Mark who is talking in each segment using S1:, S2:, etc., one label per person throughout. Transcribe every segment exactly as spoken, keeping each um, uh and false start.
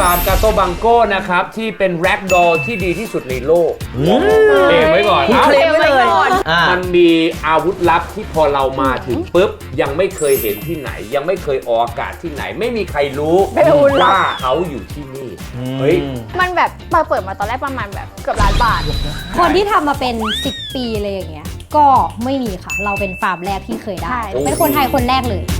S1: ฟาร์มกาโตบังโก้นะครับที่เป็นแร็กดอลที่ดีที่สุดในโลกเคลมไว้ก่อน
S2: เคลมไว้เลย
S1: มันมีอาวุธลับที่พอเรามาถึงปุ๊บยังไม่เคยเห็นที่ไหนยังไม่เคยออกอากาศที่ไหนไม่มีใครรู้ว่าเขาอยู่ที่นี่เฮ้ย
S3: มันแบบมาเปิดมาตอนแรกประมาณแบบเกือบล้านบาท
S4: คนที่ทำมาเป็นสิบปีเลยอย่างเงี้ยก็ไม่มีค่ะเราเป็นฟาร์มแรกที่เคยได้เป็นคนไทยคนแรกเลย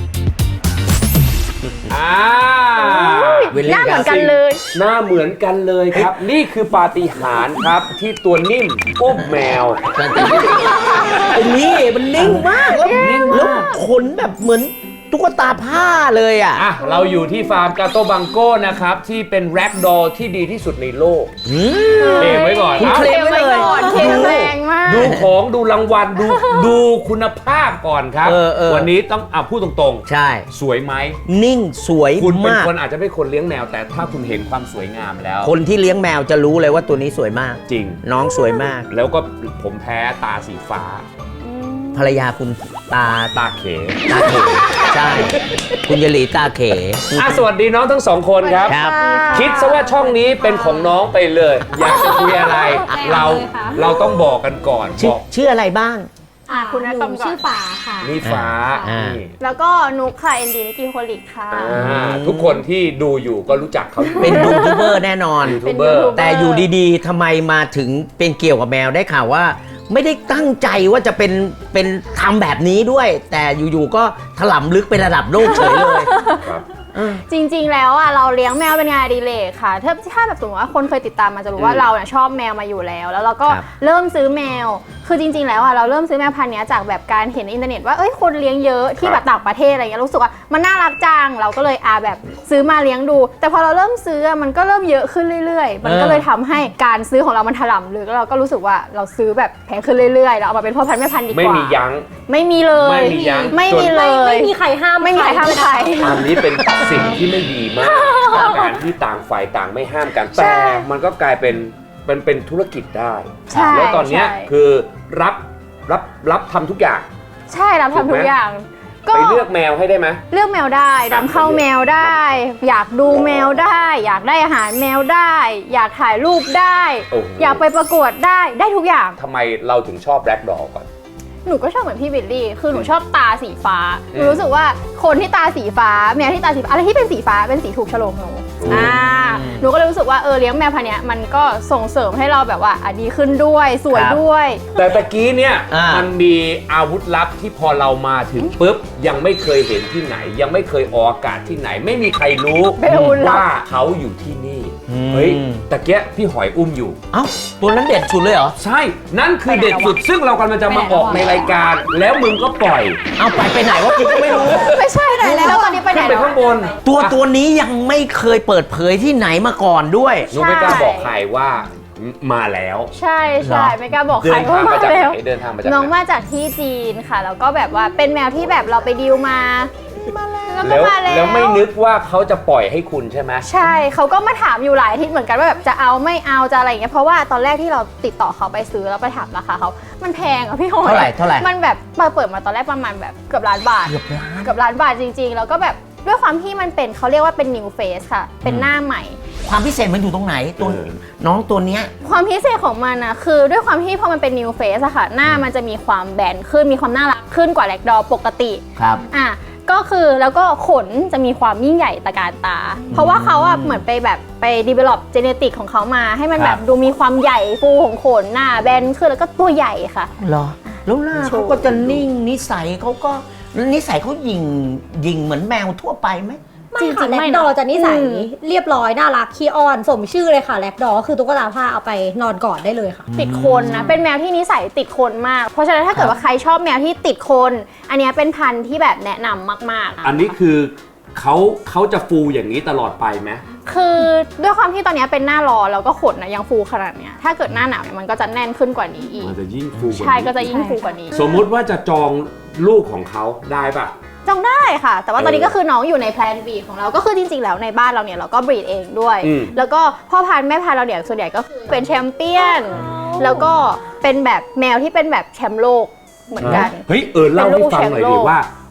S1: อ่า
S3: หน้าเหมือนกันเลย
S1: หน้าเหมือนกันเลยครับนี่คือปาฏิหาริย์ครับที่ตัวนิ่มอุ้มแมว
S2: ไอ้นี่มันนิ่งมากแล้วแล้วขนแบบเหมือนตุ๊กตาผ้าเลยอ่ะ
S1: อ่ะเราอยู่ที่ฟาร์มกาโตบังโก้นะครับที่เป็นแร็กดอลที่ดีที่สุดในโลกเคลมไว้ก่อน
S2: เคลมไว้เลย
S3: เคลมแรงมาก
S1: ดูของดูรางวัลดูดูคุณภาพก่อนครับวันนี้ต้องอ่ะพูดตรงๆ
S2: ใช่
S1: สวยไหม
S2: นิ่งสวย
S1: คุณเป็น
S2: มาก
S1: คนอาจจะไม่คนเลี้ยงแมวแต่ถ้าคุณเห็นความสวยงามแล้ว
S2: คนที่เลี้ยงแมวจะรู้เลยว่าตัวนี้สวยมาก
S1: จริง
S2: น้องสวยมาก
S1: แล้วก็ผมแพ้ตาสีฟ้า
S2: ภรรยาคุณตา
S1: ตาเข
S2: ตาเขใช่คุณยลีตาเข
S1: อ่ะสวัสดีน้องทั้งสองคนครับคิดซะว่าช่องนี้เป็นของน้องไปเลยอยากจะคุยอะไรเราเราต้องบอกกันก่อน
S2: บอกชื่ออะไรบ้าง
S4: อ่ะคุณหนูชื่อฟ้าค่ะ
S1: นี่ฟ้า
S3: แล้วก็นุกค่ะเอ็นดีมิกิโคลิกค่ะ
S1: ทุกคนที่ดูอยู่ก็รู้จักเขา
S2: เป็นยูทูบเบอร์แน่นอน
S1: ยูทูบเบอร์
S2: แต่อยู่ดีๆทำไมมาถึงเป็นเกี่ยวกับแมวได้ข่าวว่าไม่ได้ตั้งใจว่าจะเป็นเป็นทำแบบนี้ด้วยแต่อยู่ๆก็ถล่มลึกเป็นระดับโลกเฉยเลย
S3: จริงๆแล้วอ่ะเราเลี้ยงแมวเป็นงานอดิเรกค่ะถ้าถ้าแบบสมมติว่าคนเคยติดตามมาจะรู้ว่าเราเนี่ยชอบแมวมาอยู่แล้วแล้วเราก็เริ่มซื้อแมวคือจริงๆแล้วอ่ะเราเริ่มซื้อแมวพันธุ์นี้จากแบบการเห็นในอินเทอร์เน็ตว่าเอ้ยคนเลี้ยงเยอะที่แบบต่างประเทศอะไรเงี้ยรู้สึกว่ามันน่ารักจังเราก็เลยอาแบบซื้อมาเลี้ยงดูแต่พอเราเริ่มซื้อมันก็เริ่มเยอะขึ้นเรื่อยๆมันก็เลยทำให้การซื้อของเรามันถล่มลึกแล้วเราก็รู้สึกว่าเราซื้อแบบแพงขึ้นเรื่อยๆแล้วเอามาเป็นพ่อพันธุ์แม่พันธุ์ดีกว่า
S1: ไม่มียั้ง
S3: ไม่มีเลย
S1: ไม่มียั้ง
S3: ไม่มีเลย
S4: ไม่มีใครห้าม
S3: ไม่มีใครห้ามใคร
S1: อันนี้เป็นสิ่งที่ไม่ดีมากการที่ต่างฝ่ายต่างไม่ห้ามกันแต่มันก็กลายเป็นเป็นเป็นธุรกิจได้แล้วตอนนี้คือรับรับรับทำทุกอย่าง
S3: ใช่รับทำทุกอย่าง
S1: ก็ไปเลือกแมวให้ได้ไหม
S3: เลือกแมวได้นำเข้าแมวได้อยากดูแมวได้อยากได้อาหารแมวได้อยากถ่ายรูปได้อยากไปประกวดได้ได้ทุกอย่าง
S1: ทำไมเราถึงชอบแร็กดอลก่อน
S3: หนูก็ชอบเหมือนพี่บิลลี่คือหนูชอบตาสีฟ้าหนูรู้สึกว่าคนที่ตาสีฟ้าแมวที่ตาสีฟ้าอะไรที่เป็นสีฟ้าเป็นสีถูกโฉลกหนูอ่าหนูก็เลยรู้สึกว่าเออเลี้ยงแมวพันธุ์นี้มันก็ส่งเสริมให้เราแบบว่าดีขึ้นด้วยสวยด้วย
S1: แต่ตะกี้เนี่ยมันมีอาวุธลับที่พอเรามาถึงปุ๊บยังไม่เคยเห็นที่ไหนยังไม่เคยออกอากาศที่ไหนไม่มีใครรู้ว่าเขาอยู่ที่นี่เฮ้ยตะเกียพี่หอยอุ้มอยู่
S2: เอ้าตัวนั้นเด็ดสุดเลยเหรอ
S1: ใช่นั่นคือเด็ดสุดซึ่งเรากำลังจะมาออกในรายการแล้วมึงก็ปล่อย
S2: เอาไปไปไหนวะกูก็ไม่รู้
S3: ไม่ใช่ไหนแล้วตอนนี้ไปไหน
S1: ไปข้างบน
S2: ตัวตัวนี้ยังไม่เคยเปิดเผยที่ไหนมาก่อนด้วย
S1: หนูไม่กล้าบอกใครว่ามาแล้ว
S3: ใช่ใช่ไม่กล้าบอกใครว่ามาแล้ว
S1: เดินทางมาจาก
S3: น้องมาจากที่จีนค่ะแล้วก็แบบว่าเป็นแมวที่แบบเราไปดีลมา
S1: มาแล้วแล้วไม่นึกว่าเขาจะปล่อยให้คุณใช่ไหม
S3: ใช่เขาก็มาถามอยู่หลายอาทิตย์เหมือนกันว่าแบบจะเอาไม่เอาจะอะไรอย่างเงี้ยเพราะว่าตอนแรกที่เราติดต่อเขาไปซื้อแล้วไปถามราคาเขามันแพงอ่ะพี่หอย
S2: เท่าไหร่เท่าไหร่
S3: มันแบบมาเปิดมาตอนแรกประมาณแบบเกือบล้านบาท
S2: เกือบล้าน
S3: เกือบล้านบาทจริงๆแล้วก็แบบด้วยความที่มันเป็นเขาเรียกว่าเป็น new face ค่ะเป็นหน้าใหม่
S2: ความพิเศษมันอยู่ตรงไหนตัวน้องตัวเนี้ย
S3: ความพิเศษของมันนะคือด้วยความที่พอมันเป็น new face อะค่ะหน้ามันจะมีความแบนขึ้นมีความน่ารักขึ้นกว่าแร็กดอลปกติ
S2: ครับ
S3: อ่ะก็คือแล้วก็ขนจะมีความยิ่งใหญ่ตระการตาเพราะว่าเขาอะเหมือนไปแบบไป develop genetic ของเขามาให้มันแบบดูมีความใหญ่ฟูของขนหน้าแบนขึ้นแล้วก็ตัวใหญ่ค่ะ
S2: เหรอแล้วหน้าเขาก็จะนิ่งนิสัยเขาก็นิสัยเขาหยิ่งหยิ่งเหมือนแมวทั่วไปไหม
S4: จริงๆแร็กดอจะนิสัยเรียบร้อยน่ารักขี้อ้อนสมชื่อเลยค่ะแร็กดอคือตุ๊กตาผ้าเอาไปนอนกอดได้เลยค่ะ
S3: ติดคนนะเป็นแมวที่นิสัยติดคนมากเพราะฉะนั้นถ้าเกิดว่าใครชอบแมวที่ติดคนอันนี้เป็นพันธุ์ที่แบบแนะนำมาก
S1: ๆอันนี้คือเขาเขาจะฟูอย่างนี้ตลอดไปไหม
S3: คือด้วยความที่ตอนนี้เป็นหน้าร้อนแล้วก็ขนนะยังฟูขนาดเนี้ยถ้าเกิดหน้าหนาวเนี่ยมันก็จะแน่นขึ้นกว่านี้อีก
S1: มันจะยิ่งฟู
S3: ใช่ก็จะยิ่งฟูกว่านี้
S1: สมมุติว่าจะจองลูกของเขาได้ปะ
S3: จองได้ค่ะแต่ว่าตอนนี้ก็คือน้องอยู่ในแพลนบีดของเราก็คือจริงๆแล้วในบ้านเราเนี่ยเราก็บรีดเองด้วยแล้วก็พ่อพันธุ์แม่พันธุ์เราเนี่ยส่วนใหญ่ก็คือเป็นแชมเปี้ยนแล้วก็เป็นแบบแมวที่เป็นแบบแชมป์โลกเหมือนกัน
S1: เฮ้ยเออเล่าให้ฟังหน่อยดิว่า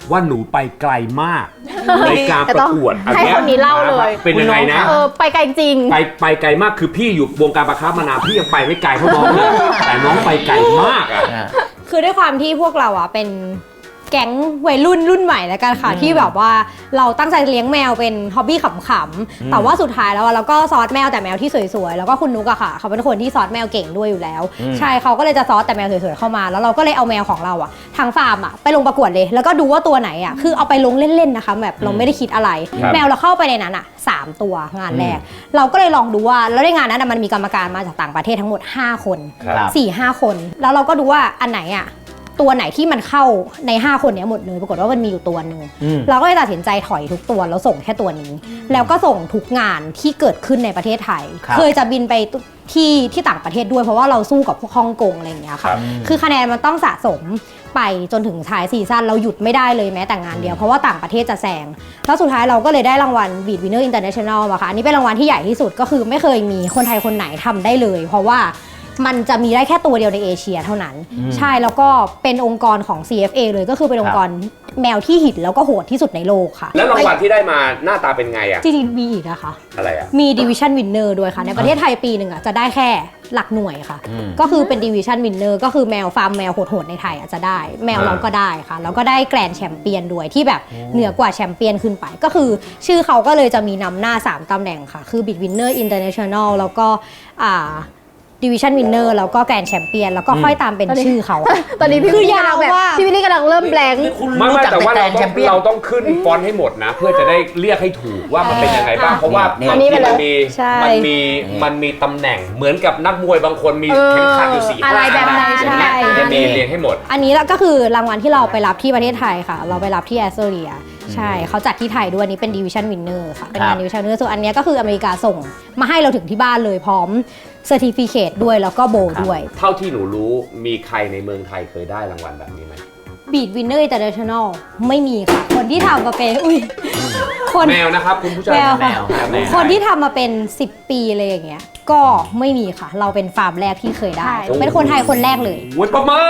S1: ว่าหนูไปไกลมากในการประกวด
S3: ให้คนนี้เล่าเลย
S1: เป็นยังไงนะ
S3: เออไปไกลจริง
S1: ไปไปไกลมากคือพี่อยู่วงการประคับมานานพี่ยังไปไม่ไกลเท่าน้องเลยแต่น้องไปไกลมากอ่ะ
S4: คือด้วยความที่พวกเราอ่ะเป็นแก๊งวัยรุ่นรุ่นใหม่แล้วกันค่ะที่แบบว่าเราตั้งใจเลี้ยงแมวเป็นฮ็อบบี้ขำๆแต่ว่าสุดท้ายแล้วเราก็ซอสแมวแต่แมวที่สวยๆแล้วก็คุณนุกอะค่ะเขาเป็นคนที่ซอสแมวเก่งด้วยอยู่แล้วใช่เขาก็เลยจะซอสแต่แมวสวยๆเข้ามาแล้วเราก็เลยเอาแมวของเราอะทางฟาร์มอะไปลงประกวดเลยแล้วก็ดูว่าตัวไหนอะคือเอาไปลงเล่นๆนะคะแบบเราไม่ได้คิดอะไรแมวเราเข้าไปในนั้นอะสามตัวงานแรกเราก็เลยลองดูว่าแล้วในงานนั้นมันมีกรรมการมาจากต่างประเทศทั้งหมดห้าคนสี่ห้าคนแล้วเราก็ดูว่าอันไหนอะตัวไหนที่มันเข้าในห้าคนนี้หมดเลยปรากฏว่ามันมีอยู่ตัวหนึ่งเราก็เลยตัดสินใจถอยทุกตัวแล้วส่งแค่ตัวนี้แล้วก็ส่งทุกงานที่เกิดขึ้นในประเทศไทยเคยจะบินไปที่ที่ต่างประเทศด้วยเพราะว่าเราสู้กับพวกฮ่องกงอะไรอย่างเงี้ยค่ะคือคะแนนมันต้องสะสมไปจนถึงท้ายซีซั่นเราหยุดไม่ได้เลยแม้แต่งานเดียวเพราะว่าต่างประเทศจะแซงแล้วสุดท้ายเราก็เลยได้รางวัล Beat Winner International อะค่ะอันนี้เป็นรางวัลที่ใหญ่ที่สุดก็คือไม่เคยมีคนไทยคนไหนทำได้เลยเพราะว่ามันจะมีได้แค่ตัวเดียวในเอเชียเท่านั้นใช่แล้วก็เป็นองค์กรของ ซี เอฟ เอ เลยก็คือเป็นองค์กรแมวที่หินแล้วก็โหดที่สุดในโลกค่ะ
S1: แล้วรางวัลที่ได้มาหน้าตาเป็นไงอะ
S4: จริงๆมีอีกนะคะ
S1: อะไรอะ
S4: มี Division Winner ด้วยค่ะในประเทศไทยปีหนึ่งอะจะได้แค่หลักหน่วยค่ะก็คือเป็น Division Winner ก็คือแมวฟาร์มแมวโหดๆในไทยอะจะได้แมวเราก็ได้ค่ะแล้วก็ได้แกรนด์แชมเปี้ยนด้วยที่แบบเหนือกว่าแชมเปี้ยนขึ้นไปก็คือชื่อเขาก็เลยจะมีนำหน้าสามตำแหน่งค่ะคือ Beat Winner International แล้วก็อ่าDivision Winner แล้วก็แกรนด์แชมเปี้ยนแล้วก็ค่อยตามเป็นชื่อเขา
S3: ตอนนี้พี่วิลลี่กำลังแบบพี่วิลลี่กำลังเริ่มแบงค์
S1: ไม่ไม่แต่ว่าเราต้องเราต้องขึ้นฟอนต์ให้หมดนะเพื่อจะได้เรียกให้ถูกว่ามันเป็นยังไงบ้างเพราะว่ามันมีมันมีมันมีมันมีตำแหน่งเหมือนกับนักมวยบางคนมีเข็มขัดอยู่สี่ห้า
S3: อะไรแบบนั้นใช่
S1: จะมีเรียงให้หมด
S4: อันนี้ก็คือรางวัลที่เราไปรับที่ประเทศไทยค่ะเราไปรับที่แอสโตเรียใช่เขาจัดที่ไทยด้วยอันนี้เป็น Division Winner ค่ะเป็นงาน Division Winner ส่วนอันนี้ก็คืออเมริกาส่งมาให้เราถึงที่บ้านเลยพร้อมเซอร์ติฟิเคตด้วยแล้วก็โบด้วย
S1: เท่าที่หนูรู้มีใครในเมืองไทยเคยได้รางวัลแบบนี้ไหม
S4: Beat Winner International ไม่มีค่ะคนที่ทำมาเป็นอุ้ย
S1: คนแมวนะครับคุณผู้ชม
S4: แมวคนที่ทำมาเป็นสิบปีเลยอย่างเงี้ยก็ไม่มีค่ะเราเป็นฟาร์มแรกที่เคยได้เป็นคนไทยคนแรกเลย
S1: วุ้ยปะเมอ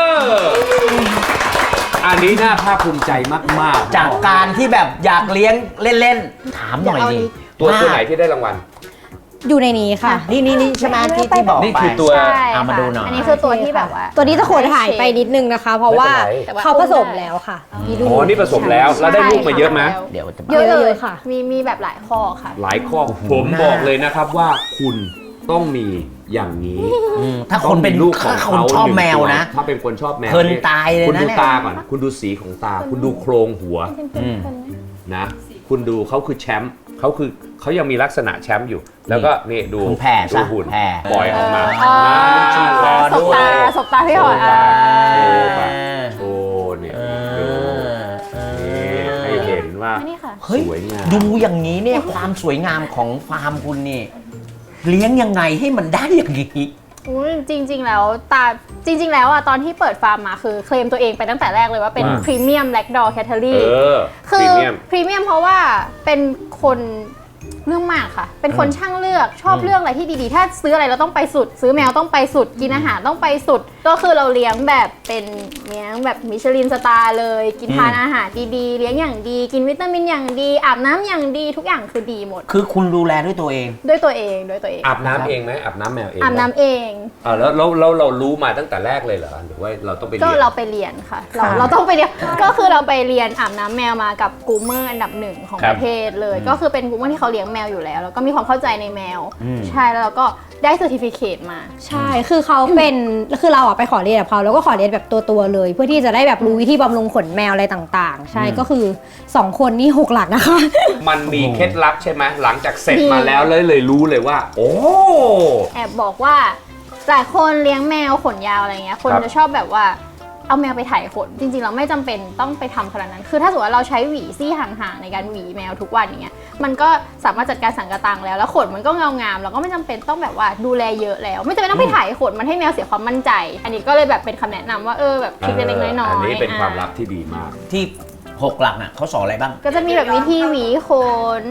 S1: อันนี้น่าภาคภูมิใจมาก
S2: ๆจากการที่แบบอยากเลี้ยงเล่นๆถามหน่อยดิ
S1: ตัวตัวไหนที่ได้รางวัล
S4: อยู่ในนี้ค่ะ
S2: นี่นี่นี่ใช่ไหมที่ที่บอก
S1: นี่คือตัว
S2: เอามาดูหน่อย
S3: อันนี้คือตัวที่แบบว่า
S4: ตัวนี้จะขนหายไปนิดนึงนะคะเพราะว่าเขาผสมแล้วค่ะ
S1: อ๋อนี่ผสมแล้วแล้วได้ลูกมาเยอะไหม
S2: เดี๋ยว
S3: เยอะเลยค่ะมีมีแบบหลายข้อค่ะ
S1: หลายข้อผมบอกเลยนะครับว่าคุณต้องมีอย่างนี้
S2: ถ้าคนเป็นลูกของเขาชอบแมวนะ
S1: ถ้าเป็นคนชอบแมว
S2: เพลินตายเลยนะ
S1: คุณดูตาก่อนคุณดูสีของตาคุณดูโครงหัวนะคุณดูเขาคือแชมป์เขาคือเขายังมีลักษณะแชมป์อยู่แล้วก็นี่ดู
S2: แผ่
S1: ดูหุ่นปล่อยออกมา
S3: สบตาสบตาพี่หอย
S1: โอ้เนี่ยดูให้เห็นว่าสวยงาม
S2: ดูอย่างนี้เนี่ยความสวยงามของฟาร์มคุณนี่เลี้ยงยังไงให้มันได้อย่างนี้
S3: จริงๆแล้วตาจริงๆแล้วอ่ะตอนที่เปิดฟาร์มมาคือเคลมตัวเองไปตั้งแต่แรกเลยว่าเป็นพรีเมียมแบล็กดอร์แคทเทอรี่คือพรีเมียมเพราะว่าเป็นคนเรื่องมากค่ะเป็นคนช่างเลือกชอบเลือกอะไรที่ดีๆถ้าซื้ออะไรเราต้องไปสุดซื้อแมวต้องไปสุดกินอาหารต้องไปสุดก็คือเราเลี้ยงแบบเป็นเลี้ยงแบบมิชลินสตาร์เลยกินทานอาหารดีๆเลี้ยงอย่างดีกินวิตามินอย่างดีอาบน้ำอย่างดีทุกอย่างคือดีหมด
S2: คือคุณดูแลด้วยตัวเอง
S3: ด้วยตัวเองด้วยตัวเอง
S1: อาบน้ำเองไหมอาบน้ำแมวเอง
S3: อาบน้ำเอง
S1: อ่าแล้วแล้วเราเรารู้มาตั้งแต่แรกเลยเหรอหรือว่าเราต้องไปเรียน
S3: ก็เราไปเรียนค่ะเราเราต้องไปเรียนก็คือเราไปเรียนอาบน้ำแมวมากับกูเมอร์อันดับหนึ่งของประเทศเลยก็คือเป็นกูเมอร์ที่เขาเลี้ยงแมวอยู่แล้วแล้วก็มีความเข้าใจในแมวใช่แล้วเราก็ได้เซอร์ติฟิเคตมา
S4: ใช่คือเขาเป็นคือเราอะไปขอเรียนกับเขาแล้วก็ขอเรียนแบบตัวๆเลยเพื่อที่จะได้แบบรู้วิธีบำรุงขนแมวอะไรต่างๆใช่ก็คือสองคนนี่หกหลักนะคะ
S1: มันมีเคล็ดลับใช่ไหมหลังจากเสร็จมาแล้วเลยเลยรู้เลยว่าโอ้
S3: แอบบอกว่าหลายคนเลี้ยงแมวขนยาวอะไรเงี้ยคนจะชอบแบบว่าเอาแมวไปถ่ายขนจริงๆเราไม่จำเป็นต้องไปทำขนาดนั้นคือถ้าสมมติว่าเราใช้หวีซี่ห่างๆในการหวีแมวทุกวันอย่างเงี้ยมันก็สามารถจัดการสังกะตังแล้วแล้วขนมันก็เงางามเราก็ไม่จำเป็นต้องแบบว่าดูแลเยอะแล้วไม่จำเป็นต้องไปถ่ายขนมันให้แมวเสียความมั่นใจอันนี้ก็เลยแบบเป็นคำแนะนำว่าเออแบบทริคเล็กๆน้อยๆ
S1: อันนี้เป็นความลับที่ดีมาก
S2: ที่หกหลักน่ะเขาสอนอะไรบ้าง
S3: ก็จะมีแบบวิธีหวีขน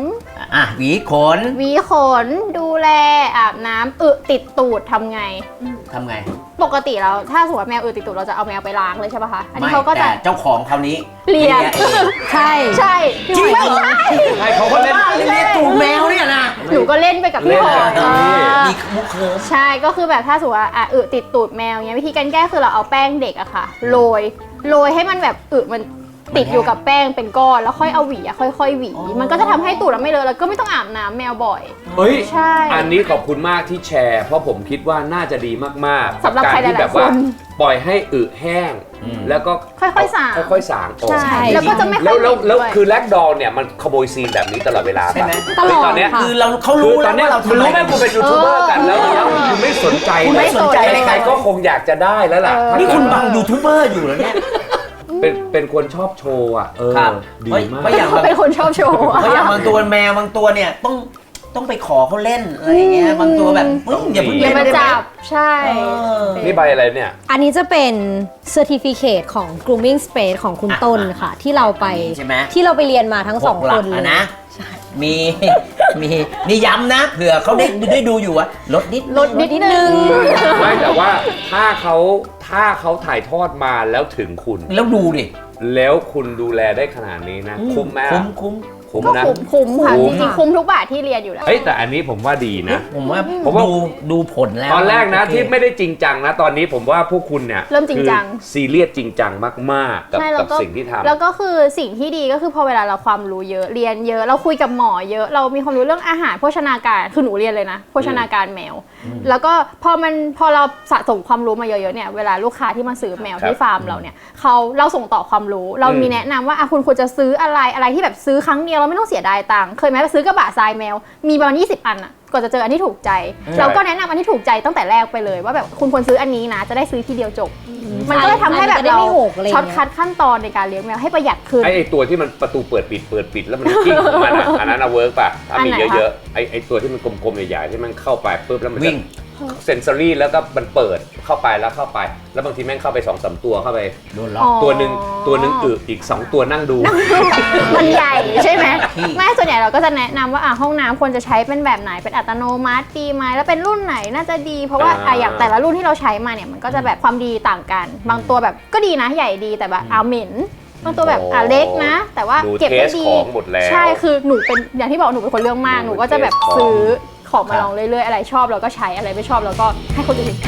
S2: อ่ะหวีขน
S3: หวีขนดูแลอาบน้ำอึติดตูดทำไง
S2: ทำไง
S3: ปกติแล้วถ้าสมมติว่าแมวอึติดตูดเราจะเอาแมวไปล้างเลยใช่ป่ะคะอันนี้
S2: ไม่
S3: เขาก็จะ
S2: แต่เจ้าของคราวนี้
S3: เลีย
S2: เอง
S4: ใช่
S3: ใช่
S2: จริงเหรอ
S3: ไม่ใช่
S1: ใช่เขาก็เล่น
S2: เลียตูดแมวเนี่ยนะ
S3: หนูก็เล่นไปกับพี่พลอย
S1: เล่นกับพี่
S3: เออ
S2: มีมุกเคิร์ฟ
S3: ใช่ก็คือแบบถ้าสมมติว่าอ่ะอึติดตูดแมวเงี้ยวิธีการแก้คือเราเอาแป้งเด็กอะค่ะโรยโรยให้มันแบบอึมันติดอยู่กับแป้งเป็นก้อนแล้วค่อยเอาหวีอะค่อยๆหวี มันก็จะทำให้ตูดเราไม่เลอะแล้วก็ไม่ต้องอาบน้ำแมวบ่อย
S1: เฮ้ย
S3: ใช่
S1: อันนี้ขอบคุณมากที่แชร์ เพราะผมคิดว่าน่าจะดีมากๆ
S3: สำหรับ
S1: กั
S3: ใคร
S1: การที่
S3: หลายๆ
S1: แบบว่า
S3: คน
S1: ปล่อยให้อึแห้ง แล้วก็
S3: ค่อยๆสาง
S1: ค่อยๆสางออก
S3: ใช่แล้วก็จะไม่ค่
S1: แล้
S3: อ
S1: วย แล้ว
S3: เหม็น
S1: แล้ว
S3: ด้วย
S1: คือแลกดอลเนี่ยมันขโมยซีนแบบนี้ตลอดเวลา
S2: ใช่ไหม
S4: ตลอด
S1: ตอนเนี้ย
S4: ค่ะ
S2: คือเราเขา
S1: คือ
S2: รู้
S1: ต
S2: แล้
S1: อ
S2: วน
S1: เนี้ย
S2: ว่าเรา
S1: คุณ
S2: ทำ
S1: รู้
S2: อะ
S1: ไหม
S2: ไร
S1: คุณเป็นยูทูบเบอร์กันแล้วแล้วคุณไม่สนใจ
S2: คุณไม่สนใจ
S1: ใครๆก็คงอยากจะได้แล้วล่ะ
S3: เออ
S1: ถ้า
S2: นี่
S1: เกิด
S2: คุณบังยูทูบเบอร์อยู่แล้วเนี่ย
S1: เป็นเป็นคนชอบโชว์อ่ะเออ
S2: ครับ
S1: ดี
S2: เฮ้ย
S1: มาก
S2: ไม่อย่าง
S3: เขาเป็นคนชอบโชว์อะ
S2: เพราะอย่างบางตัวแมวบางตัวเนี่ยต้องต้องไปขอเขาเล่นอะไรอย่างเงี้ยบางตัวแบบปึ้งอย่าเพิ่ง
S3: อย่า
S2: เล่น
S3: มา
S2: ได้ไหม
S3: จับใช่
S2: เออ
S1: นี่ใบอะไรเนี่ย
S4: อันนี้จะเป็น Certificate ของ Grooming Space ของคุณต้นค่ะ ที่เราไป
S2: ใช่ไหม
S4: ที่เราไปเรียนมาทั้งสอง
S2: หกหลั
S4: ค
S2: ก
S4: นเล
S2: อะ
S4: ย
S2: นะมีมีนี่ย้ำนะเผื่อเขาได้ได้ดูอยู่ว่าลดนิด
S3: ลดนิดนึง
S1: ไม่แต่ว่าถ้าเขาถ้าเขาถ่ายทอดมาแล้วถึงคุณ
S2: แล้วดูดิ
S1: แล้วคุณดูแลได้ขนาดนี้นะ คุ้มไหม
S2: คุ้มคุ้ม
S1: คุ้ม
S3: ก็
S1: นะ
S3: คุ้มคุ้มค่ะ
S1: คุ้
S3: จ
S1: ม
S3: ริงๆคุ้มทุกบาทที่เรียนอยู่แล้ว
S1: เฮ้ยแต่อันนี้ผมว่าดีนะ
S2: ผมว่า
S1: ผมว่า
S2: ดูดูผลแล้ว
S1: ตอนแรกนะ
S2: โอเค
S1: ที่ไม่ได้จริงจังนะ ตอนนี้ผมว่าพวกคุณเนี่ย
S3: เริ่มจริงจัง
S1: คือซีเรียสจริงจังมากๆ กับ
S3: ใช่แล้ว
S1: กับ
S3: ก็
S1: สิ่งที่ทำ
S3: แล้วก็คือสิ่งที่ดีก็คือพอเวลาเราความรู้เยอะเรียนเยอะเราคุยกับหมอเยอะเรามีความรู้เรื่องอาหารโภชนาการคือหนูเรียนเลยนะโภชนาการแมว แล้วก็พอมันพอเราสะสมความรู้มาเยอะๆเนี่ยเวลาลูกค้าที่มาซื้อแมว
S1: ครับ
S3: ที่ฟาร์มเราเนี่ยเขาเราส่งต่อความรู้ เรามี
S1: อืม
S3: แนะนำว่าอ่ะคุณควรจะซื้ออะไรอะไรที่แบบซื้อครั้งเดียวเราไม่ต้องเสียดายตังค์เคยไหมไปซื้อกระบะทรายแมวมีประมาณยี่สิบอันอะกว่าจะเจออันที่ถูกใจ เราก็แนะนำอันที่ถูกใจตั้งแต่แรกไปเลย ว่าแบบคุณควรซื้ออันนี้นะจะได้ซื้อทีเดียวจบ มันก็เลยทำให้แบบ
S4: มันจะได้
S3: เรา
S4: ไม่หกอะไรอย่างเงี้ย
S3: ช็อตคัทขั้นตอนในการเลี้ยงแมวให้ประหยัดขึ้น
S1: ไอ้ไอ้ตัวที่มันประตูเปิดปิดเปิดปิดแล้วมันกิ้งของมันอะอันนั้นอะเวิร์กป่ะถ้ามี
S3: อันไหนคะ
S1: เยอะๆไอ้ไอ้ตัวที่มันกลมๆใหญ่ๆที่มันเข้าไปปุ๊บแล้วมันจะ
S2: วิ่ง
S1: เซนซอรี่แล้วก็มันเปิดเข้าไปแล้วเข้าไป แล้วบางทีแม่งเข้าไปสองสามตัวเข้าไป
S2: โดนล็อก
S1: ตัวหนึ่งตัวหนึ่งอึอีกสองตัวนั่งดู
S3: มันใหญ่ใช่ไหม
S2: ที่
S3: ไม่ส่วนใหญ่เราก็จะแนะนำว่าอ่ะห้องน้ำควรจะใช้เป็นแบบไหนเป็นอัตโนมัติดีไหมแล้วเป็นรุ่นไหนน่าจะดี เพราะว่า
S1: อ่า
S3: อ่ะอย่างแต่ละรุ่นที่เราใช้มาเนี่ยมันก็จะแบบความดีต่างกัน บางตัวแบบก็ดีนะใหญ่ดีแต่แบบเอาเหม็นบางตัวแบบอ่ะเล็กนะ แต่ว่า
S1: ดู
S3: เก็บ
S1: เท
S3: ได้
S1: ส
S3: ดี
S1: ของหมดแล้ว
S3: ใช่คือหนูเป็นอย่างที่บอกหนูเป็นคนเรื่องมาก
S1: หนู
S3: หนูก็จะแบบ
S1: เทสของ
S3: ซื้อของมา
S2: ครับ
S3: ลองเรื่อยๆอะไรชอบเราก็ใช้อะไรไม่ชอบเราก็ให้คนอื่น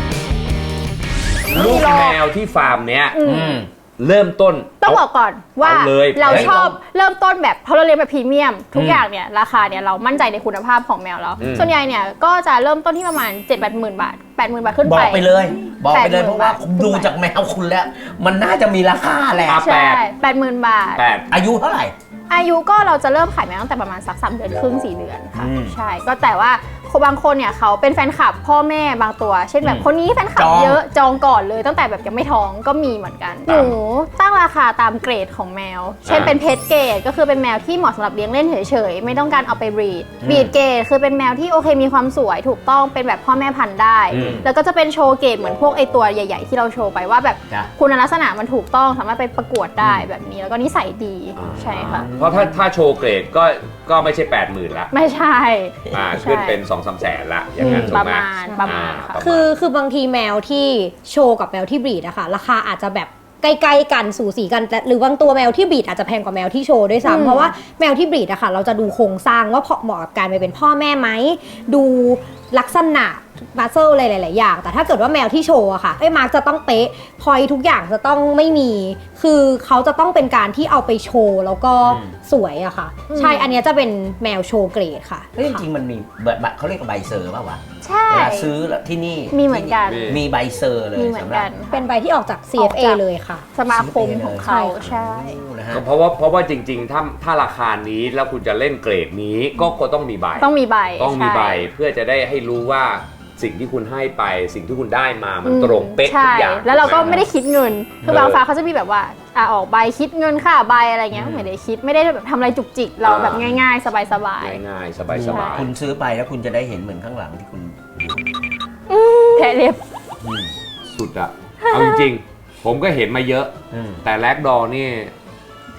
S1: ลูกแมวที่ฟาร์มเนี้ย
S3: อืม
S2: อืม
S1: เริ่มต้น
S3: ต้องบอกก่อนว่า
S1: เอาเลย
S3: เรา
S1: เฮ้ย
S3: ชอบเริ่มต้นแบบเพราะเราเรียนแบบพรีเมียม ทุก
S2: อืม
S3: อย่างเนี่ยราคาเนี่ยเรามั่นใจในคุณภาพของแมวแล้ว
S1: อืม
S3: ส่วนใหญ่เนี่ยก็จะเริ่มต้นที่ประมาณ เจ็ดแปดหมื่นบาท แปดหมื่นบาทขึ้น
S2: บ
S3: ไป
S2: อกไปเลย บอกไปเลย
S3: แปดหมื่น
S2: เพราะว่า
S3: บาท
S2: ผมดูจากแมวคุณแล้ว มันน่าจะมีราคาแหละ
S1: อ่ะ
S3: ใช่แปดหมื่นบาท
S1: แปด
S2: อายุเท่าไหร่
S3: อายุก็เราจะเริ่มขายแมวตั้งแต่ประมาณสักสามเดือนครึ่งสี่เดือนค่ะ
S2: อืม
S3: ใช่ก็แต่ว่าบางคนเนี่ยเขาเป็นแฟนคลับพ่อแม่บางตัว เช่นแบบ
S2: อืม
S3: คนนี้แฟนคลับ
S2: จอง
S3: เยอะจองก่อนเลยตั้งแต่แบบยังไม่ท้องก็มีเหมือนกันหนูตั้งราคาตามเกรดของแมว เช่นเป็นเพจเกรดก็คือเป็นแมวที่เหมาะสำหรับเลี้ยงเล่นเฉยๆไม่ต้องการเอาไปบรีดบรีดเกรดคือเป็นแมวที่โอเคมีความสวยถูกต้องเป็นแบบพ่อแม่พันธุ์ได้
S1: อืม
S3: แล้วก็จะเป็นโชว์เกรดเหมือนพวกไอตัวใหญ่ ๆ ที่เราโชว์ไปว่าแบบ
S2: จ้ะ
S3: คุณลักษณะมันถูกต้องสามารถไปประกวดได้แบบนี้แล้วก็นิสัยดีใช่ค่ะ
S1: เพราะถ้าถ้าโชว์เกรดก็ก็ไม่ใช่แปดหมื่นละ
S3: ไม่ใช่
S1: อ่า
S3: ใช่
S1: ขึ้นเป็นสองสามแสนละอย่างนั้น
S3: อืม
S1: ถู
S3: ป
S1: ก
S3: ระ
S1: ไหม
S3: มาณประมาณ
S1: อ่า
S3: ค่ะ
S1: ประมาณ
S4: คือคือบางทีแมวที่โชว์กับแมวที่บรีดอะค่ะราคาอาจจะแบบใกล้ๆกันสูสีกันแต่หรือบางตัวแมวที่บรีดอาจจะแพงกว่าแมวที่โชว์ด้วย
S3: อืม
S4: ซ้ำเพราะว่าแมวที่บรีดอะค่ะเราจะดูโครงสร้างว่าเหมาะกับการไปเป็นพ่อแม่ไหมดูลักษณะบัสเซลอะไรหลายๆอย่างแต่ถ้าเกิดว่าแมวที่โชว์อะค่ะไอ้มาร์กจะต้องเป๊ะพอยทุกอย่างจะต้องไม่มี คือเขาจะต้องเป็นการที่เอาไปโชว์แล้วก็
S2: อืม
S4: สวยอะค่ะ ใช่อันเนี้ยจะเป็นแมวโชว์เกรดค่ะ
S2: เฮ้ยจริงๆมันมีแบบเขาเรียกว่าใบเซอร์ป่าววะ
S3: ใช่
S2: เวลาซื้อแล้วที่นี่
S3: มีเหมือนกัน
S2: ที่มีใบเซอร์เลย
S3: มีเหมือน
S2: สำหรั
S3: กับ น
S4: เป็นใบที่ออกจาก ซี
S3: อ
S4: เอ
S3: อก
S4: ฟ เอ
S3: จาก
S4: เลยค่ะ
S3: สมาคมของเขา
S4: ใช่
S3: ใช่
S2: โอ้นะฮะ
S1: ก็เพราะว่าเพราะว่าจริงๆ ถ้าถ้าราคานี้แล้วคุณจะเล่นเกรดนี้ก็ก็ต้องมีใบ
S3: ต้องมีใบ
S1: ต้องมี
S3: ช่
S1: ใบเพื่อจะได้ให้รู้ว่าสิ่งที่คุณให้ไปสิ่งที่คุณได้มามัน
S3: อืม
S1: ตรงเป๊ะทุ
S3: ใช่
S1: กอย่าง
S3: แล้วเราก็
S1: ถูห
S3: ไม่ได้คิดเงิน คือ
S1: เออ
S3: บางฟ้าเขาจะมีแบบว่าอ่ะออกใบคิดเงินค่าใบอะไรเงี้ยไม่ได้คิดไม่ได้แบบทำอะไรจุกจิกเรา
S1: อ่า
S3: แบบง่ายๆ สบาย
S1: ง่ายๆ สบาย
S2: คุณซื้อไปแล้วคุณจะได้เห็นเหมือนข้างหลังที่คุณ
S3: ๆแทะเล็บ
S2: อืม
S1: ๆ สุดอะเอาจริงๆ ผมก็เห็นมาเยอะ
S2: อืม
S1: แต่แลกดอนี่ท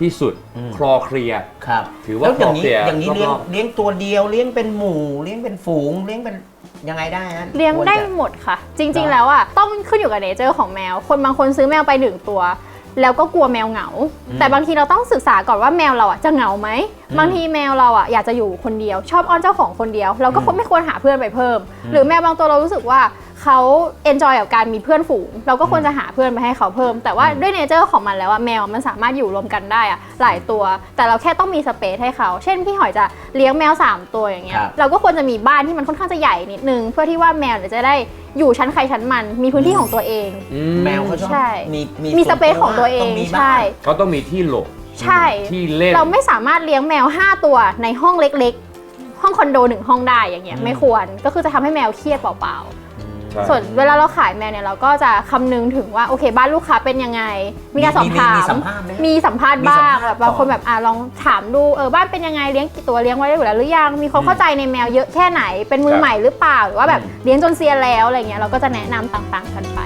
S1: ที่สุด
S2: อืม
S1: คลอเคลียร์
S2: ครับ
S1: ถือว่า
S2: แล้วอย่างนี้
S1: คลอเคลียร์
S2: อย่างนี้เลี้ยง
S1: รอบๆ
S2: เลี้ยงตัวเดียวเลี้ยงเป็นหมู่เลี้ยงเป็นฝูงเลี้ยงเป็นยังไงได้ฮะ
S3: เลี้ยงได้
S2: ควรจะ
S3: หมดค่ะ จริง ๆ แล้วอ่ะต้องขึ้นอยู่กับเนเจอร์ของแมว คนบางคนซื้อแมวไปหนึ่งตัว แล้วก็กลัวแมวเหงา แต่บางทีเราต้องศึกษาก่อนว่าแมวเราอ่ะจะเหงาไหมบางทีแมวเราอ่ะอยากจะอยู่คนเดียว ชอบอ้อนเจ้าของคนเดียว เราก็คงไม่ควรหาเพื่อนไปเพิ่ม หรือแมวบางตัวเรารู้สึกว่าเขาเอนจอยกับการมีเพื่อนฝูง เราก็ควรจะหาเพื่อนไปให้เขาเพิ่ม แต่ว่าด้วยเนเจอร์ของมันแล้วอะแมวมันสามารถอยู่รวมกันได้อะหลายตัว แต่เราแค่ต้องมีสเปซให้เขา เช่นพี่หอยจะเลี้ยงแมวสามตัวอย่างเงี้ย
S2: ครับ
S3: เราก็ควรจะมีบ้านที่มันค่อนข้างจะใหญ่นิดนึงเพื่อที่ว่าแมวเนี่ยจะได้อยู่ชั้นใครชั้นมันมีพื้นที่ของตัวเอง
S1: อื
S2: แมวเขาชอบ
S3: ใช่
S2: มี
S3: มีสเปซของตัวเอง
S2: มีบ้าง
S3: ใช่
S1: เขาต้องมีที่หลบ
S3: ใช่
S1: ที่เล่น
S3: เราไม่สามารถเลี้ยงแมวห้าตัวในห้องเล็กๆ ห้องคอนโดหนึ่งห้องได้อย่างเงี้ยไม่ควรก็คือจะทำให้แมวเครียดเปล่าๆ
S1: ใช่
S3: ส่วนเวลาเราขายแมวเนี่ยเราก็จะคำนึงถึงว่าโอเคบ้านลูกค้าเป็นยังไง มีการสอบถาม
S2: มีสัมภาษณ์ไหม
S3: มีสัมภาษณ์
S2: มีสัม
S3: บ้าง
S2: ภาษณ์
S3: แบบบางคน
S2: ก่อน
S3: แบบอ่ะลองถามดูเออบ้านเป็นยังไงเลี้ยงกี่ตัวเลี้ยงไว้ได้อยู่แล้วหรือยังมีความเข้าใจในแมวเยอะแค่ไหนเป็นมือใหม่หรือเปล่าหรือว่าแบบเลี้ยงจนเซียนแล้วอะไรเงี้ยเราก็จะแนะนำต่างๆกันไป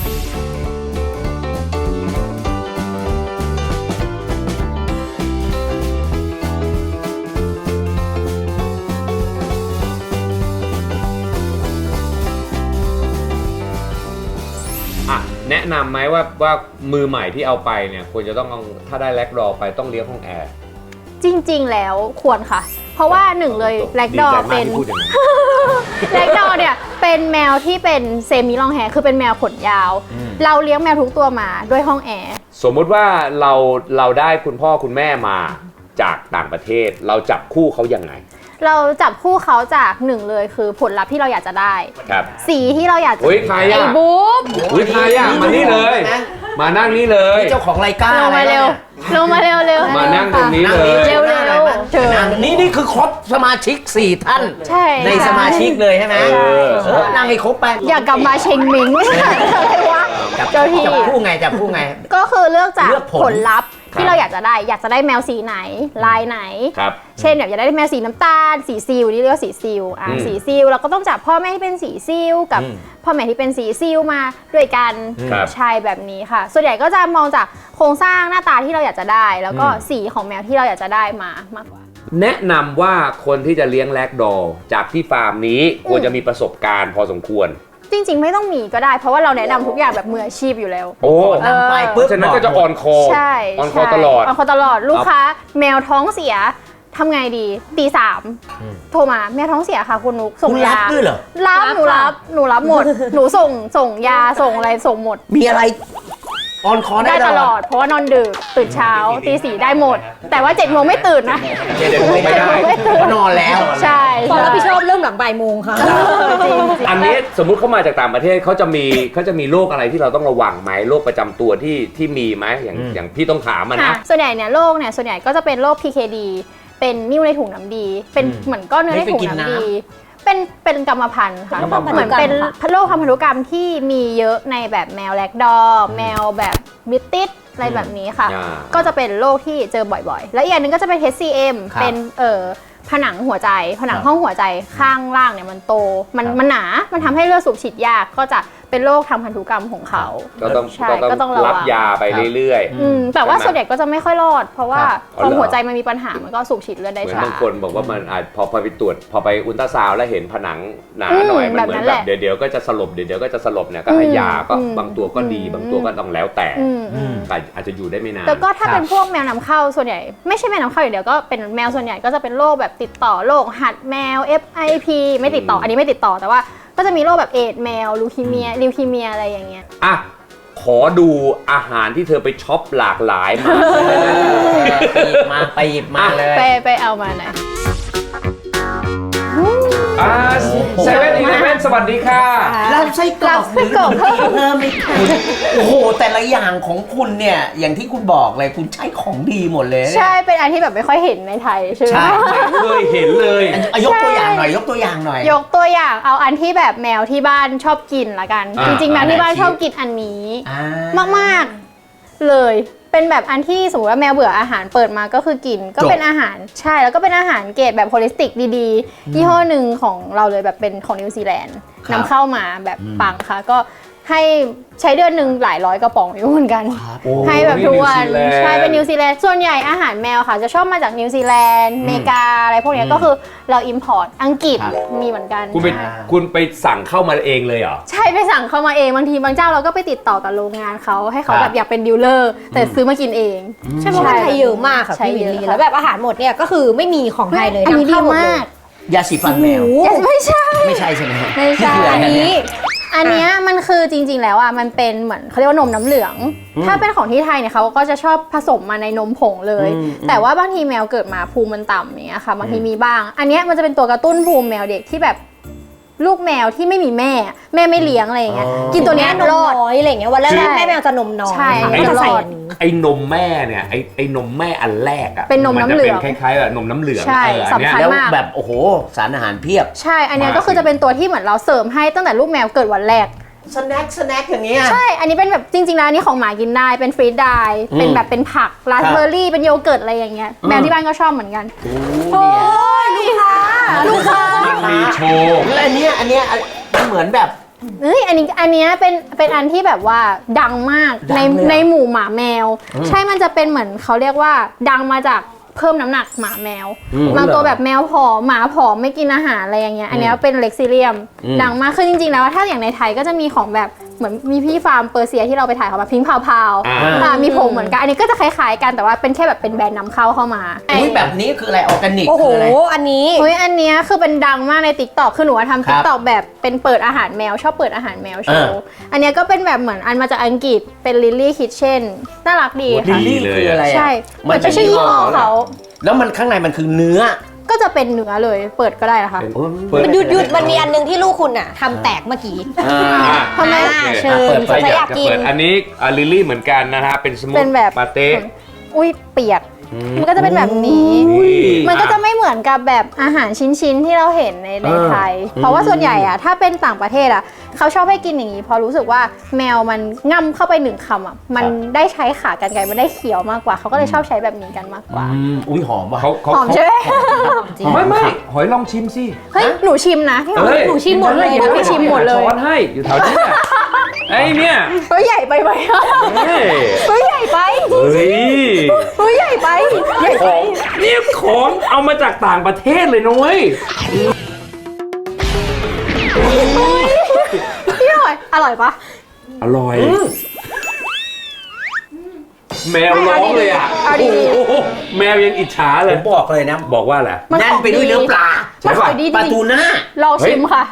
S1: อ่ะแนะนำไหมว่าว่ามือใหม่ที่เอาไปเนี่ยควรจะต้องเอาถ้าได้แลกดอไปต้องเลี้ยงห้องแอร์
S3: จริงๆแล้วควรค่ะ เพราะว่าหนึ่งเลยแลกดอ
S1: ดีใจมาก
S3: เป็น
S1: ที่พูดอย่างนั้น
S3: แลกดอเนี่ยเป็นแมวที่เป็นเซมิลองแฮร์คือเป็นแมวขนยาว เราเลี้ยงแมวทุกตัวมาด้วยห้องแอร์
S1: สมมุติว่าเราเราได้คุณพ่อคุณแม่มาจากต่างประเทศ เราจับคู่เขายังไง
S3: เราจับคู่เขาจากหนึ่งเลยคือผลลัพธ์ที่เราอยากจะได้
S1: ครับ
S3: สีที่เราอยากจะ
S1: เฮ้ยใครอะ
S3: ไอ้บุ๊บ
S1: อุ้ยใครอ่ะมานี่เลย มานั่งนี่เลย
S2: เจ้าของรายการ
S3: ลงมาเร็วลงมาเร็วเร็ว
S1: มานั่งตรงนี้เลย
S3: เร็วเร็วเชิญ
S2: นี่นี่คือครบสมาชิกสี่ท่าน
S3: ใช่
S2: ในสมาชิกเลยใช่ไหม
S1: เออ
S2: เออนั่งให้ครบไป
S3: อยากกลับมาเชงมิงไม่ใช่อะไรวะ
S2: จับ
S3: เจ้าที่
S2: จับคู่ไงจับคู่ไง
S3: ก็คือเลือกจาก
S2: เลือกผล
S3: ผลลัพธ์ที่เราอยากจะได้ อยากจะได้แมวสีไหนลายไหน
S1: ครับ
S3: เช่นแบบอยากได้แมวสีน้ำตาลสีซิลนี่เรียกว่าสีซิลอ่ะ
S1: อืม
S3: สีซิลเราก็ต้องจับพ่อแม่ที่เป็นสีซิลกับ
S2: อืม
S3: พ่อแม่ที่เป็นสีซิลมาด้วยกัน
S1: ครับ
S3: ใช่แบบนี้ค่ะ ส่วนใหญ่ก็จะมองจากโครงสร้างหน้าตาที่เราอยากจะได้ แล้วก็
S1: อืม
S3: สีของแมวที่เราอยากจะได้มามากกว่า
S1: แนะนำว่าคนที่จะเลี้ยงแลกดอจากที่ฟาร์มนี้ควรจะมีประสบการณ์พอสมควร
S3: จริงๆไม่ต้องมีก็ได้ เพราะว่าเราแนะนำทุกอย่างแบบมืออาชีพอยู่แล้ว
S1: โอ้
S2: นำไป
S1: เพ
S2: ปุ๊บ
S1: ราะฉะนั้นก็จะออนคอ
S3: ใช่
S1: ออนคอ
S3: ใช่
S1: ตลอด
S3: ออนคอตลอดลูกค้าแมวท้องเสียทำไงดีตีสาม
S2: อืม
S3: โทรมาแมวท้องเสียค่ะคุณนุกส่ง
S2: คุณรับ
S3: ยา
S2: ด้วยเหรอ
S3: รับ
S4: รับ
S3: หนูรับ
S4: ค่ะ
S3: หนูรับหมด หนูส่งส่งยาส่งอะไรส่งหมด
S2: มีอะไรออนคอ
S3: ได้
S2: ได้
S3: ตลอด เพราะว่านอนดึกตื่นเช้าตีสี่ได้หมด แต่ว่าเจ็ดโมงไม่ตื่นนะ
S2: เดี๋ยวไม่ได้
S3: ไม่ตื่น
S2: นอนแล้ว
S3: ใช่
S4: ขอรับผิดชอบเริ่มหลังบ่ายโมงค่ะ
S3: จริง
S1: อันนี้สมมุติเขามาจากต่างประเทศเขาจะมีเขาจะมีโรคอะไรที่เราต้องระวังไหมโรคประจำตัวที่ที่มีไหมอย่าง
S2: อืม
S1: อย่างพี่ต้องถามมัน
S3: ค่ะ
S1: นะ
S3: ส่วนใหญ่เนี่ยโรคเนี่ยส่วนใหญ่ก็จะเป็นโรค พี เค ดี เป็นนิ่วในถุงน้ำดี เป็น
S2: อืม
S3: เหมือนก้อนเนื้อในถุง
S2: ไม่ไปกิน
S3: น้ำ
S2: น้ำ
S3: ดี เป็นเป็นกรรมพันธุ์ค่ะ
S2: กรรมพันธุ์
S3: เหมือนเป็นโรคทางพันธุกรรมที่มีเยอะในแบบแมวแลกดอร์แมวแบบบิตติสอะไรแบบนี้ค่ะ
S1: อ่า
S3: ก็จะเป็นโรคที่เจอบ่อยๆ แล้วอีกอย่างหนึงก็จะเป็น เอช ซี เอ็ม
S2: ครับ
S3: เป็นเอ่อผนังหัวใจ ผนัง
S2: ครับ
S3: ห้องหัวใจข้างล่างเนี่ยมันโต มัน
S2: ครับ
S3: มันหนา มันทำให้เลือดสูบฉีดยาก ก็จะเป็นโรคทางพันธุกรรมของเขา
S1: ก็ต้อง
S3: ใช่
S1: ก็
S3: ก็ต้
S1: ต้อ
S3: อง งระวัง
S1: รับยาไปเรื่อย
S3: อืมแต่ว่า
S1: ใช่ไหม
S3: ส่วนใหญ่ก็จะไม่ค่อยรอด เพราะว่า
S2: ครับ
S3: พอหัวใจมันมีปัญหา มันก็สูบฉีดเลือด
S1: ๆ
S3: ได้
S1: เหมือน
S3: ช้า
S1: บางคนบอกว่ามันอาจพอพอไปตรวจพอไปอุลตราซาวด์แล้วเห็นผนังหนา
S3: อืม
S1: หน่อยมันเหมือน
S3: แบบนั้น
S1: แบ
S3: แห
S1: บ
S3: ละ
S1: เดี๋ยวเดี๋ยวก็จะสลบเดี๋ยวเดี๋ยวก็จะสลบเนี่ยก็ให้ยาก็
S3: อืม
S1: บางตัวก็ดี
S3: อืม
S1: บางตัวก็ต้องแล้วแต่
S3: อืมอืม
S1: แต่อาจจะอยู่ได้ไม่นาน
S3: แล้วก็ถ้า
S2: ครับ
S3: เป็นพวกแมวนำเข้าส่วนใหญ่ไม่ใช่แมวนำเข้าอย่างเดียวก็เป็นแมวส่วนใหญ่ก็จะเป็นโรคแบบติดต่อโรคหัดแมว เอฟ ไอ พี ไม่ติดต่ออันนี้ไม่ติดต่อแต่ว่าก็จะมีโรคแบบเอดส์แมวลูคีเมียลิวคีเมียอะไรอย่างเงี้ย
S1: อ่ะขอดูอาหารที่เธอไปช็อปหลากหลายมา
S2: ไปหยิบมาไปหยิบมาเลย
S3: ไปไปเอามาหน่อย
S1: อ่าเซเว่นอีเลฟเว่นสวัสดีค่ะ
S2: รับไส้กรอก
S3: รับไส้กรอกเพิ่ม
S2: เพิ่มไหมคะโอ้โห แต่ละอย่างของคุณเนี่ย อย่างที่คุณบอกเลยคุณใช้ของดีหมดเลยเนี่ย
S3: ใช่เป็นอันที่แบบไม่ค่อยเห็นในไทยใช่ไหม
S2: ใช่
S1: เคยเห็นเลย
S2: อ่ะยกตัวอย่างหน่อย ยกตัวอย่างหน่อย
S3: ยกตัวอย่างเอาอันที่แบบแมวที่บ้านชอบกินละกัน
S1: อ่า
S3: จริงๆแมวที่บ้าน
S2: อ่า
S3: ชอบกินอันนี้
S2: อ่าม
S3: ากๆเลย เป็นแบบอันที่สมมติว่าแมวเบื่ออาหารเปิดมาก็คือกิน ก็เป็นอาหารใช่แล้วก็เป็นอาหารเกรดแบบโฮลิสติกดีๆยี่ห้อหนึ่งของเราเลยแบบเป็นของนิวซีแลนด์นำเข้ามาแบบปังค่ะก็ให้ใช้เดือนหนึ่งหลายร้อยกระป๋องอยู่เหมือนกัน
S1: โอ้
S3: ให้แบบทุกวัน
S1: นิวซีแลนด์
S3: ใช่เป็นนิวซีแลนด์ส่วนใหญ่อาหารแมวค่ะจะชอบมาจากนิวซีแลนด์อเมริกาอะไรพวกเนี้ยก็คือเราอิมพอร์ตอังกฤษ
S2: ครับ
S3: มีเหมือนกัน
S1: คุณไปคุณไปสั่งเข้ามาเองเลยเหรอ
S3: ใช่ไปสั่งเข้ามาเองบางทีบางเจ้าเราก็ไปติดต่อกับโรงงานเขาให้เขา
S1: ครับ
S3: แบบอยากเป็นดีลเลอร์แต่ซื้อมากินเอง
S4: ใช่เพราะว่าไทยเยอะมากค่ะ
S3: ใช่
S4: พี่วิล
S3: เย
S4: ลี่
S3: อะ
S4: แล้วแบบอาหารหมดเนี่ยก็คือไม่มีของไทยเลย
S3: อันนี้
S4: นำ
S3: ดี
S4: เข้าหมดเล
S3: มาย ก
S2: ยาสีฟันแมว
S4: โอ้โห
S3: ไม่ใช่
S2: ไม่ใช่ใช่ไหม
S3: ไม่ใช่
S2: คืออะไร
S4: อัน
S2: เย
S4: นี้
S3: อันเนี้ยมันคือจริงๆแล้วอ่ะมันเป็นเหมือนเขาเรียกว่านมน้ำเหลือง ถ้าเป็นของที่ไทยเนี่ยเขาก็จะชอบผสมมาในนมผงเลย
S2: อืม
S3: แต่ว่าบางทีแมวเกิดมาภูมิมันต่ำอย่างเงี้ยค่ะบางทีมีบ้าง อันเนี้ยมันจะเป็นตัวกระตุ้นภูมิแมวเด็กที่แบบลูกแมวที่ไม่มีแม่ แม่ไม่เลี้ยงอะไรอย่างเงี้ย
S2: อ๋อ
S3: กินตัวเนี้ย
S4: นม
S3: รอด
S4: น้อยอะไรอย่างเงี้ยวันแร
S3: ใช่
S4: กๆแม่แมวจะนมน้อย
S3: ใช่
S4: ค่ะก็จะใส่อันนี้
S1: ไอ้นมแม่เนี่ยไอ้ไอ้นมแม่อันแรกอ่ะ
S3: เป็นนมน้ำเหลือง
S1: จะเป็นคล้ายๆแบบนมน้ำเหลือง
S3: ใช่
S1: เอออันเนี้ย
S3: สำคัญ
S2: แล้ว
S3: มาก
S2: แบบโอ้โหสารอาหารเพียบ
S3: ใช่ อันเนี้ย
S1: มาก
S3: ก็คือจะเป็นตัวที่เหมือนเราเสริมให้ตั้งแต่ลูกแมวเกิดวันแรก
S2: สแน็คสแน็คอย่างเงี้ย
S3: ใช่ อันนี้เป็นแบบจริงๆแล้วอันนี้ของหมากินได้ เป็นฟรีดได้
S2: อืม
S3: เป็นแบบเป็นผักราสเบอร์รี่ เป็นโยเกิร์ตอะไรอย่างเงี้ย
S2: อืม
S3: แมวที่บ้านก็ชอบเหมือนกัน
S2: โอ้เนี่ย
S3: ลูกค้า ลูกค้า
S1: มันมีโชว์
S2: แล้วอันเนี้ยอันเนี้ยมันเหมือนแบบ
S3: เอ้ย อันนี้ อันเนี้ยเป็น เป็นอันที่แบบว่าดังมาก
S2: ดัง
S3: ใน
S2: เลยเหรอ
S3: ในหมู่หมาแมว
S2: อืม
S3: ใช่ มันจะเป็นเหมือนเขาเรียกว่าดังมาจากเพิ่มน้ำหนักหมาแมว
S2: อืม
S3: บางตัวแบบแมวผอมหมาผอมไม่กินอาหารอะไรอย่างเงี้ย อันเนี้ยเป็นเล็กซิเลียม
S2: อืม
S3: ดังมาก คือจริงๆแล้วถ้าอย่างในไทยก็จะมีของแบบเหมือนมีพี่ฟาร์มเปอร์เซียที่เราไปถ่ายเขามาพิงค์พาวพาว
S1: อ่า
S3: อ่ามีผงเหมือนกัน อันนี้ก็จะคล้ายๆกันแต่ว่าเป็นแค่แบบเป็นแบรนด์นำเข้าเข้ามา
S2: อุ้ยแบบนี้คืออะไรออร์แกนิก
S4: โอ้โห
S2: คืออะไร
S4: อันนี้
S3: เฮ้ยอันเนี้ยคือเป็นดังมากใน ติ๊กต็อก คือหนูว่าทำ
S2: ครั
S3: ติ๊
S2: บ
S3: กต็อกแบบเป็นเปิดอาหารแมวชอบเปิดอาหารแมวโชว์ อันเนี้ยก็เป็นแบบเหมือนอันมาจากอังกฤษเป็นลิลลี่คิทเช่นน่ารักดี
S2: ลิ
S3: ค่ะ
S2: ลลี่คืออะไรอะ
S3: ใช่
S2: มั
S3: มัน น
S2: จะ
S3: เป็นชื่อยี่ห้อเขา
S2: แล้วมันข้างในมันคือเนื้อ
S3: ก็จะเป็นเนื้อเลยเปิดก็ได้นะคะ
S1: เป็น
S2: เปิด
S4: มันหยุดหยุดมันมีอันนึงที่ลูกคุณอ่ะทำแตกเมื่อกี้
S2: อ่า
S1: อ่ะ
S3: ทำไม
S4: อ่าเชิญ
S2: เปิด
S1: ใคร
S4: ใคร
S1: อาย
S4: อยาก ก
S1: จะ
S4: กิน
S1: เปิดอันนี้อ่ะลิลลี่เหมือนกันนะฮะเป็นสมูท
S3: เป็นแบบ
S1: ปาเต้
S3: อุ้ยเปียก มันก็จะเป็นแบบนี้
S2: อุ้ย
S3: มันก็จะไม่เหมือนกับแบบอาหารชิ้นๆที่เราเห็นในใน
S2: เออ
S3: ไทย เพราะว่าส่วนใหญ่อะถ้าเป็นต่างประเทศอะเขาชอบให้กินอย่างนี้เพราะรู้สึกว่าแมวมันง่ำเข้าไปหนึ่งคำอะมันได้ใช้ขากรรไกรมันได้เคี้ยวมากกว่าเขาก็เลยชอบใช้แบบนี้กันมากกว่า
S2: อืมอุ้ยหอมว่ะ
S1: เขาเขา
S3: หอม
S1: เขา
S3: ใช่ไหม
S1: ไม่ไม่หอยลองชิมสิ
S3: เฮ้ยหนูชิมนะพี่หอม
S1: เอ้ย
S3: หนูชิมหมดเลย
S1: ดี๋ว
S3: หนูชิมหมดเลย
S1: ช้อนให้อยู่แถวนี้เนี่ยไอ้เนี่ย
S3: เฮ้ยใหญ่ไปไหม
S1: เฮ้ย
S3: เฮ้ยใหญ่ไป
S1: เฮ้ย
S3: เฮ้ยใหญ่ไปใหญ่
S1: ข
S3: ไป
S1: องนี่ของเอามาจากต่างประเทศเลยนะเว้ย
S3: พี่หอยอร่อยปะ
S1: อร่อย แมวร้องเลยอ่ะ
S3: เอาดี
S1: โอ้โหแมวยังอิจฉา
S2: ผ
S1: เลย
S2: มบอกเลยนะ
S1: บอกว่าอะไร
S3: มัน
S2: แน่น
S3: ของ
S2: ไปด้วยเนื้อปลา
S3: มันของดีจ
S2: ปลา
S3: ริง
S2: ทูน่า
S3: ลองชิมค่ะ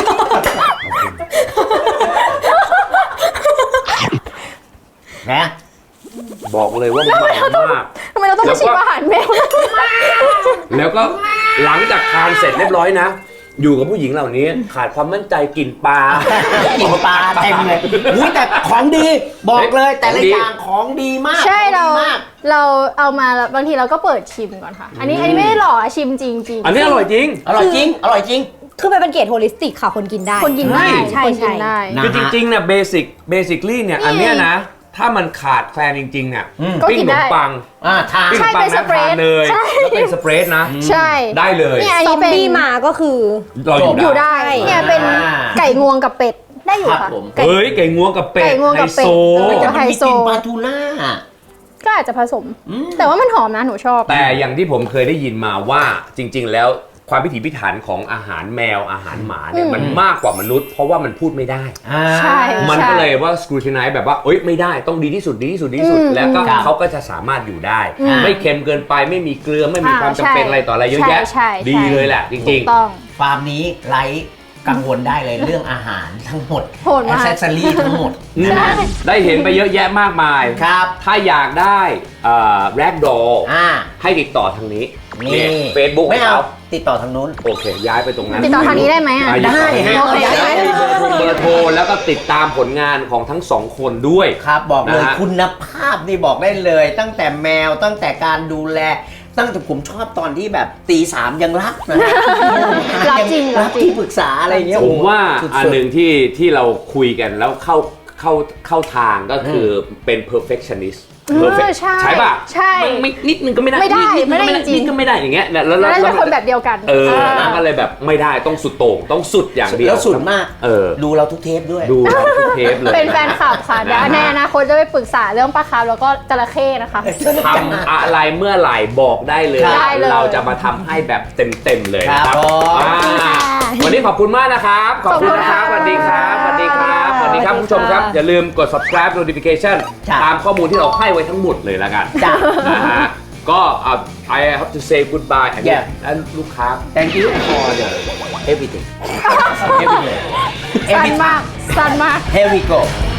S2: นะ
S1: บอกเลยว่ามันมาก
S3: ทำไมเราต้องมาชิมอาหารแมว
S1: แล้วก็หลังจากทานเสร็จเรียบร้อยนะ อยู่กับผู้หญิงเหล่านี้ขาดความมั่นใจกลิ่นปลา
S2: กินปลาเต็มเลยอุ้ยแต่ของดีบอกเลยแต่ละ
S1: ของดี
S2: อย่างของดีมาก
S3: ใช่เรา
S2: ของดีมาก
S3: เราเอามาแล้วบางทีเราก็เปิดชิมก่อนค่ะ อันนี้อันนี้ไม่ได้หล่ออะชิมจริงจริงๆ
S1: อันนี้อร่อยจริง
S2: อร่อยจริง อร่อยจริง
S4: คือมันเป็นเกรดโฮลิสติกค่ะคนกินได้
S3: คนกินได้
S4: ใช่
S3: คนกิน
S4: ใช่
S3: ได้
S2: นะ
S1: คือจริงๆเนี่ยเบสิกเบสิคลี่เนี่ยอันเนี้ยนะ ถ้ามันขาดแคลนจริงๆเนี่ย
S2: อืม
S3: ก็
S1: ปิ้ง
S3: กิน
S1: ขน
S3: ได้
S1: มปัง
S2: อ่าทาน
S1: ปิ้งข
S3: ใช่
S1: นมปัง
S3: เป็นส
S1: นะ
S3: เปร
S1: ทา
S3: ด
S1: นเลย
S3: ใช่
S1: แล้วเป็นสเปรดนะ
S3: ใช่
S1: ได้เลย
S3: เนี่ยอัน
S4: ซอ
S3: นี้
S4: ม
S3: เป็น
S4: บี้มาก็คือ
S1: เราอยู่
S3: อยู่
S1: ได้
S3: ได้เนี่ยเป็นไก่งวงกับเป็ดได้อยู่
S2: ครับ
S3: ค่ะ
S2: ผม
S3: ไก่
S1: เฮ้ยไก่งวงกับเป็ด
S3: ไก่งวง
S1: ไฮ
S3: กับเป็ด
S1: โซ
S3: เออ
S2: แต่มันมี
S3: ไฮโซ
S2: กลิ่นปลาทูน่า
S3: ก็อาจจะผสม
S2: อืม
S3: แต่ว่ามันหอมนะหนูชอบ
S1: แต่อย่างที่ผมเคยได้ยินมาว่าจริง ๆ แล้วความพิถีพิถันของอาหารแมวอาหารหมาเนี่ย
S3: อืม
S1: มันมากกว่ามนุษย์ เพราะว่ามันพูดไม่ได้
S2: อ่า
S3: ใช่
S1: มันก็เลยว่าสกรูติไนซ์แบบว่าเอ้ยไม่ได้ต้องดีที่สุดดีที่สุดดีที่สุด
S3: อืม
S1: แล้วก็
S2: ครับ
S1: เขาก็จะสามารถอยู่ได้
S3: อืม
S1: ไม่เค็มเกินไปไม่มีเกลือไม่มี
S3: อ่า
S1: ความจำเป็น
S3: ใช่
S1: อะไรต่ออะไรเยอะแยะ
S3: ใช่ใช่
S1: ดีเลยแหละจ
S3: ถู
S1: ริง
S3: กต้อง
S2: ฟาร์มนี้ไร้กังวลได้เลยเรื่องอาหารทั้งหมด
S3: โหดมาก
S2: แอคเซสซอรี่ทั้งหมด
S1: ๆอืมได้เห็นไปเยอะแยะมากมาย
S2: ครับ
S1: ถ้าอยากได้แร็กดอล
S2: อ่า
S1: ให้ติดต่อทางนี้
S2: นี่
S1: เฟซบุ๊ก
S2: ไม่
S1: เขา
S2: เอาติดต่อทางนู้น
S1: โอเค ย้ายไปตรงนั้น
S3: ติดต่อทางนี้ได้ไหมอ่ะ
S1: อ่
S2: ได้ฮะ
S1: ติดต่อทางนี้
S3: โอเค
S1: ย้ายมีเบอร์โทรเบอร์โทรแล้วก็ติดตามผลงานของทั้งสองคนด้วย
S2: ครับบอกเลย
S1: นะฮะ
S2: คุณภาพนี่บอกได้เลย ตั้งแต่แมวตั้งแต่การดูแล ตั้งแต่ผมชอบตอนที่แบบตีสามยังรักนะ
S3: รักจริง
S2: รั
S3: รั
S2: ก
S3: กจริง
S2: ที่ปรึกษาอะไรเงี้ย
S1: ผมว่า
S2: สุดๆ
S1: อันหนึ่งที่ที่เราคุยกันแล้วเข้าเข้าเข้าทางก็คืออเป็น perfectionist perfect
S3: ใช่
S1: ใช่ป่ะ
S3: ใช่
S1: ไม่ไม่นิดนึงก็ไม่ได้
S3: ไม่ได้
S1: นินึงก็
S3: ไม่ได้จริง
S1: นิดก็ไม่ได้อย่างเงี้ยแล้วแล้ว
S3: น่า
S1: แล้
S3: จะ
S1: ว
S3: คนแบบเดียวกัน
S1: เออ
S3: เออ
S1: นั่นก็เลยแบบไม่ได้ต้องสุดโต่งต้องสุดอย่างเดียว
S2: แล้วสุดมาก
S1: เออ
S2: ดูเราทุกเทปด้วย
S1: ดูทุกเทปเลย
S3: เป็นแฟนคลับค่ะเดี๋ยว
S1: นะฮะ
S3: ในอนาคตจะไปปรึกษาเรื่องปลาคาร์ฟแล้วก็จระเข้นะคะ
S1: ทำอะไรเมื่อไหร่บอกได้เลย
S3: ได้เลย
S1: เราจะมาทำให้แบบเต็มๆเลยนะค
S2: ครั
S1: รับบ
S2: ผม
S1: อ่าวันนี้ขอบคุณมากนะครับ ขอบคุณนะครับ สวัสดีครับ สวัสดีครับ สวัสดีครับคุณผู้ชมครับ อย่าลืมกด subscribe notification
S2: จ้ะ
S1: ตามข้อมูลที่เราให้ไว้ทั้งหมดเลยแล้วกัน
S2: จ้ะ
S1: นะฮะ ก็อ่ะ I have to say goodbye อันนี้
S2: Yeah
S1: แล้วลูกค้า
S2: thank you for the everything everything
S3: สั้นมากสั้นมาก
S2: here we go